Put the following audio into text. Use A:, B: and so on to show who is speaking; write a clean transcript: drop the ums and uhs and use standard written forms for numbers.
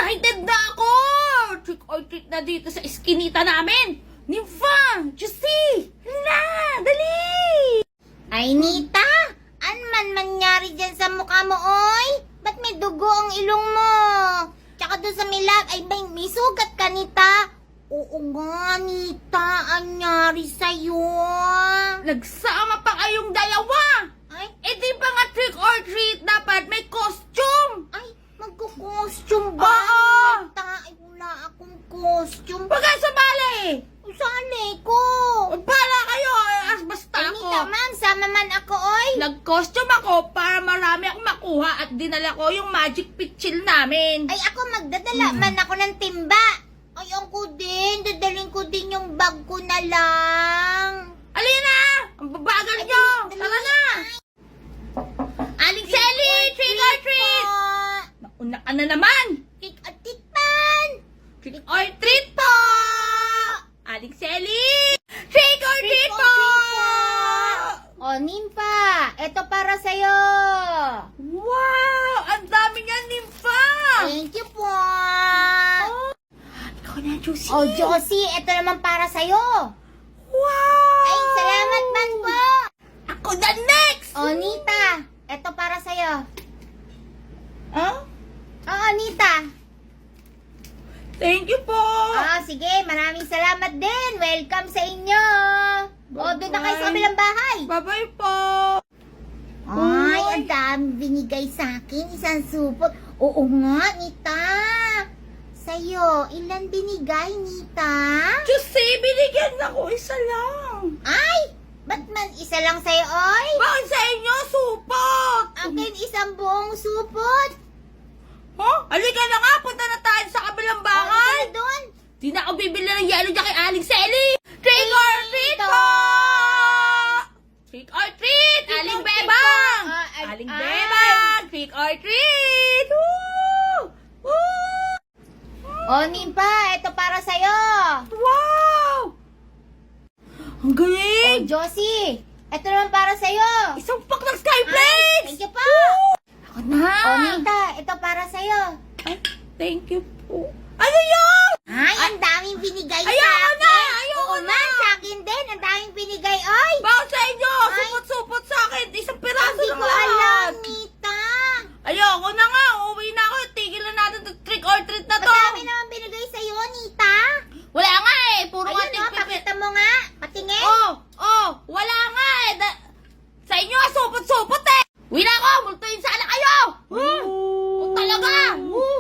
A: Excited na ako! Trick or treat na dito sa iskinita namin! Nympha! Juicy! Hala! Dali!
B: Ay, Nita! An man mangyari dyan sa mukha mo, oy? Ba't may dugo ang ilong mo? Tsaka doon sa milag, ay may sugat ka, Nita? Oo nga, Nita. Anyari sa'yo?
A: Nagsama pa kayong dalawa!
B: Ay,
A: Eh di ba nga trick or treat dapat may costume?
B: ay, magkukostume ba?
A: Oo!
B: Nita, ay wala akong costume.
A: Huwag kayo sumali!
B: Sali ko.
A: Para kayo! Basta
B: Ay,
A: ako!
B: Nita, ma'am, sama man ako, oy.
A: Nag-costume ako para marami akong makuha at dinala ko yung magic pitchil namin.
B: Ay, ako magdadala man ako ng timba. Ay, ako din. Dadalhin ko din yung bag ko na lang.
A: Alina! Ang babagal nyo! Tara na! Aling Selly! Trick or treat! Mauna ka na naman!
B: Trick or treat pan!
A: Trick or treat po! Aling Selly! Trick or treat po!
B: O, Nympha, eto para sa'yo.
A: Wow! Ang dami nga, Nympha!
B: Thank you po.
A: Ikaw na, Juicy!
B: O, Josie, eto naman para sa'yo.
A: Wow!
B: Ay, salamat man po.
A: Ako na next!
B: O, Nita, eto para sa'yo.
A: Huh?
B: Oo, Nita.
A: Thank you po!
B: Sige, maraming salamat din. Welcome sa inyo. O, doon na kayo sa kabilang bahay.
A: Bye-bye po!
B: Ay, ang dami binigay sa akin. Isang supot. Oo nga, Nita. Sa'yo, ilan binigay, Nita?
A: Juicy, binigyan ako isa lang!
B: Ay, ba't man isa lang sa'yo, oy?
A: Bakit sa inyo, supot?
B: Akin isang buong supot.
A: Huh? Halika na nga, punta na tayo sa kabilang bahay!
B: Ay, doon.
A: Di na ako bibili ng yelo dyan kay Aling Selly! Trick or treat po! Trick or treat! Aling Bebang! Aling Bebang! Trick or treat! Woo! Woo!
B: O, Nympha, ito para sa'yo.
A: Wow! Ang
B: O,
A: galing!
B: Josie, ito naman para sa'yo.
A: Isang pack ng Skyflakes!
B: Thank you pa.
A: Ako na!
B: O, Nita, ito para sa'yo.
A: Ay, thank you po. Ano yun?
B: Ay, ang daming binigay sa
A: Ayoko
B: akin.
A: na! Ayoko
B: Oo,
A: na!
B: man, sa akin din. Ang daming binigay, oy.
A: Bakit sa inyo?
B: Ay.
A: Supot-supot sa akin. Isang piraso
B: Hindi
A: lang
B: ko alam,
A: lahat.
B: Nita.
A: Ayoko na nga. Uuwi na ako. Tigil na natin itong trick or treat na to.
B: Madami naman binigay sa'yo, Nita.
A: Wala nga eh. Puro nga
B: Ayun,
A: tigpipit.
B: pakita mo nga. Patingin.
A: Wala nga eh. Sa inyo nga supot-supot eh. Uwi na ako. Multuin sana kayo. Talaga.